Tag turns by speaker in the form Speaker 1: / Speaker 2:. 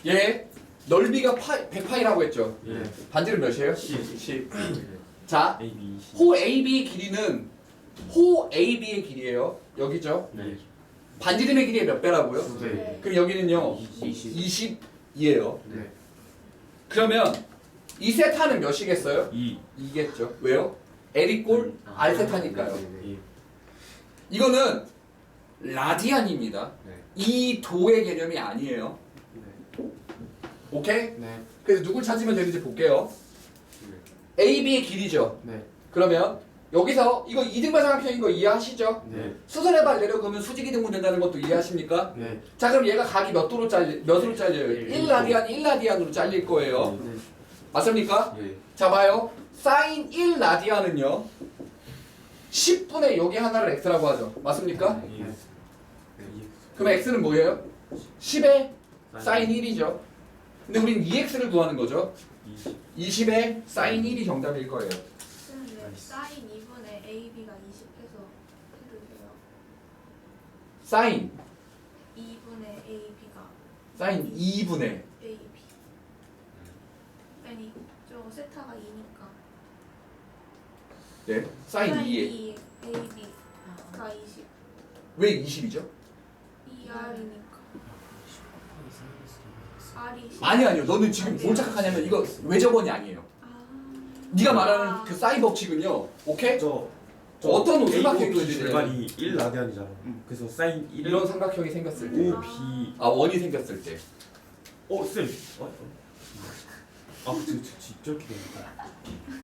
Speaker 1: 얘 넓이가 100파이라고 했죠.
Speaker 2: 예.
Speaker 1: 반지름 몇이에요?
Speaker 2: 10.
Speaker 1: 자,
Speaker 2: A, B, C.
Speaker 1: 호 AB의 길이는 호 AB의 길이에요. 여기죠.
Speaker 2: 네.
Speaker 1: 반지름의 길이의 몇 배라고요?
Speaker 2: 두 배.
Speaker 1: 그럼 여기는요.
Speaker 2: 20.
Speaker 1: 20이에요.
Speaker 2: 네.
Speaker 1: 그러면 이 세타는 몇이겠어요?
Speaker 2: 2.
Speaker 1: 2겠죠. 왜요? L이 꼴 R 세타니까요.
Speaker 2: 예.
Speaker 1: 이거는 라디안입니다.
Speaker 2: 네.
Speaker 1: 이 도의 개념이 아니에요.
Speaker 2: 네.
Speaker 1: 오케이?
Speaker 2: 네.
Speaker 1: 그래서 누굴 찾으면 되는지 볼게요. AB의 길이죠.
Speaker 2: 네.
Speaker 1: 그러면 여기서 이거 이등변삼각형인 거 이해하시죠?
Speaker 2: 네.
Speaker 1: 수선의 발 내려가면 수직이등분 된다는 것도 이해하십니까?
Speaker 2: 네.
Speaker 1: 자, 그럼 얘가 각이 몇으로 잘려요? 1라디안 1라디안으로 잘릴 거예요.
Speaker 2: 네.
Speaker 1: 맞습니까?
Speaker 2: 예.
Speaker 1: 자, 봐요. 사인 1라디안은요. 10분의 여기 하나를 x라고 하죠. 맞습니까?
Speaker 2: 예.
Speaker 1: 그럼 x는 뭐예요? 10의 사인 1이죠. 근데 우린 2x를 구하는 거죠.
Speaker 2: 20.
Speaker 1: 20의 사인 1이 정답일 거예요.
Speaker 3: 근데 사인 2분의 AB가 20 해서 해주세요.
Speaker 1: 사인
Speaker 3: 2분의 AB가
Speaker 1: 사인 2분의
Speaker 3: AB. 아니 저 세타가 2니까.
Speaker 1: 네, 사인 2에
Speaker 3: 2 AB가 20.
Speaker 1: 왜 20이죠?
Speaker 3: 2R이니까. R이 10.
Speaker 1: 아니요. 너는 지금 뭘 착각하냐면 이거 외접원이 아니에요.
Speaker 3: 아.
Speaker 1: 네가 말하는 그 사인 법칙은요. 오케이?
Speaker 2: 저
Speaker 1: 어떤
Speaker 2: A,
Speaker 1: 삼각형이
Speaker 2: B
Speaker 1: 그려지냐?
Speaker 2: 절반이 1 라디안이잖아. 그래서 사인 1
Speaker 1: 이런 삼각형이 생겼을 때.
Speaker 2: 5 B.
Speaker 1: 아, 원이 생겼을 때.
Speaker 2: 쌤. 아, 저렇게 되는 거야.